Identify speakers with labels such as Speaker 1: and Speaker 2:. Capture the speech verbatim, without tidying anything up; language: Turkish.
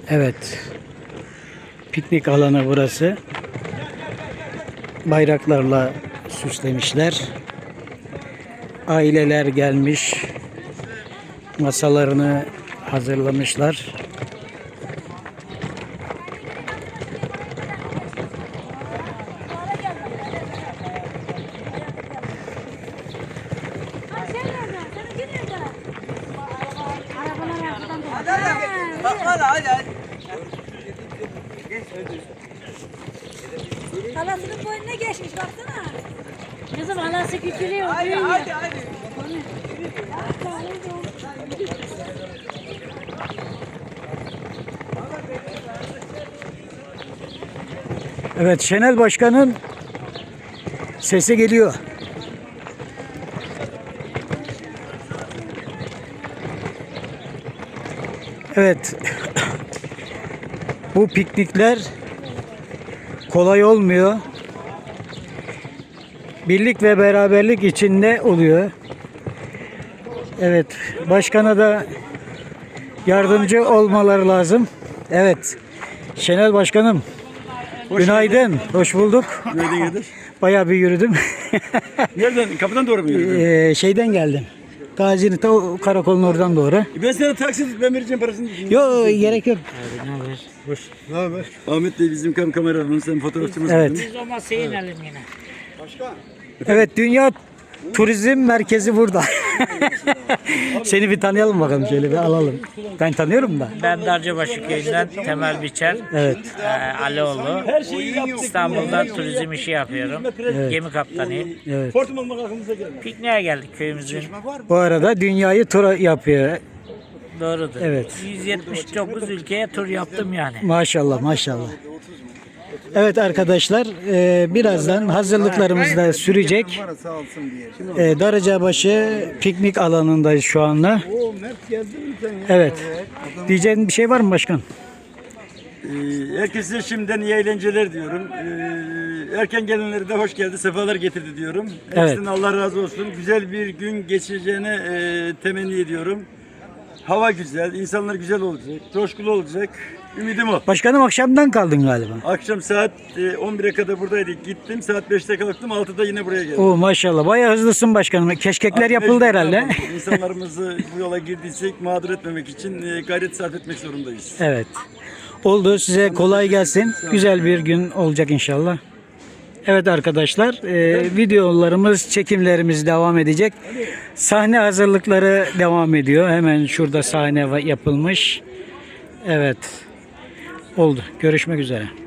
Speaker 1: Evet. Piknik alanı burası. Bayraklarla süslemişler. Aileler gelmiş. Masalarını hazırlamışlar.
Speaker 2: Halasının boynuna geçmiş baksana. Kızım halası küçülüyor. Hadi hadi hadi.
Speaker 1: Evet, Şenel Başkan'ın sesi geliyor. Evet. Bu piknikler kolay olmuyor. Birlik ve beraberlik içinde oluyor. Evet, başkana da yardımcı olmaları lazım. Evet. Şenel Başkanım. Hoş günaydın. Bulduk. Hoş bulduk.
Speaker 3: Günaydın Kadir.
Speaker 1: Bayağı bir yürüdüm.
Speaker 3: Nereden? Kapıdan doğru mu yürüdün?
Speaker 1: Ee, şeyden geldim. Gazi'nin ta o karakolun oradan doğru.
Speaker 3: E ben sana taksi ben vereceğim parasını.
Speaker 1: Yok, gerek yok.
Speaker 3: Ne haber? Hoş. Ne haber? Ahmet Bey bizim kam kameramanımız, sen fotoğrafçımız.
Speaker 1: Evet.
Speaker 2: Biz o masaya inelim yine.
Speaker 3: Başka?
Speaker 1: Evet, Dünya Turizm Merkezi burada. Seni bir tanıyalım bakalım, şöyle bir alalım. Ben tanıyorum da.
Speaker 4: Ben Darcabaşı köyünden Temel Biçer,
Speaker 1: Evet.
Speaker 4: e, Alioğlu. İstanbul'da turizm işi yapıyorum. Gemi kaptanıyım.
Speaker 1: Evet.
Speaker 3: Portum almak aklımıza geldi.
Speaker 4: Pikniğe geldik köyümüzün.
Speaker 1: Bu arada dünyayı tur yapıyor.
Speaker 4: Doğrudur.
Speaker 1: Evet.
Speaker 4: yüz yetmiş dokuz ülkeye tur yaptım yani.
Speaker 1: Maşallah, maşallah. Evet arkadaşlar, e, birazdan hazırlıklarımız da sürecek. E, Darıcabaşı piknik alanındayız şu anda.
Speaker 3: Oo Mert geldin mi sen ya?
Speaker 1: Evet. Diyeceğin bir şey var mı başkan?
Speaker 3: Ee, herkese şimdiden iyi eğlenceler diyorum. Ee, erken gelenlere de hoş geldi, sefalar getirdi diyorum.
Speaker 1: Evet.
Speaker 3: Hepsinden Allah razı olsun. Güzel bir gün geçireceğine e, temenni ediyorum. Hava güzel, insanlar güzel olacak, coşkulu olacak. Ümidim o.
Speaker 1: Başkanım, akşamdan kaldın galiba.
Speaker 3: Akşam saat e, on bire kadar buradaydık. Gittim, saat beşte kalktım, altıda yine buraya geldim.
Speaker 1: Oo, maşallah, bayağı hızlısın başkanım. Keşkekler yapıldı herhalde.
Speaker 3: İnsanlarımızı bu yola girdiysek mağdur etmemek için e, gayret sarf etmek zorundayız.
Speaker 1: Evet. Oldu. Size kolay gelsin. Güzel bir gün olacak inşallah. Evet arkadaşlar, e, videolarımız, çekimlerimiz devam edecek. Sahne hazırlıkları devam ediyor. Hemen şurada sahne va- yapılmış. Evet. Oldu. Görüşmek üzere.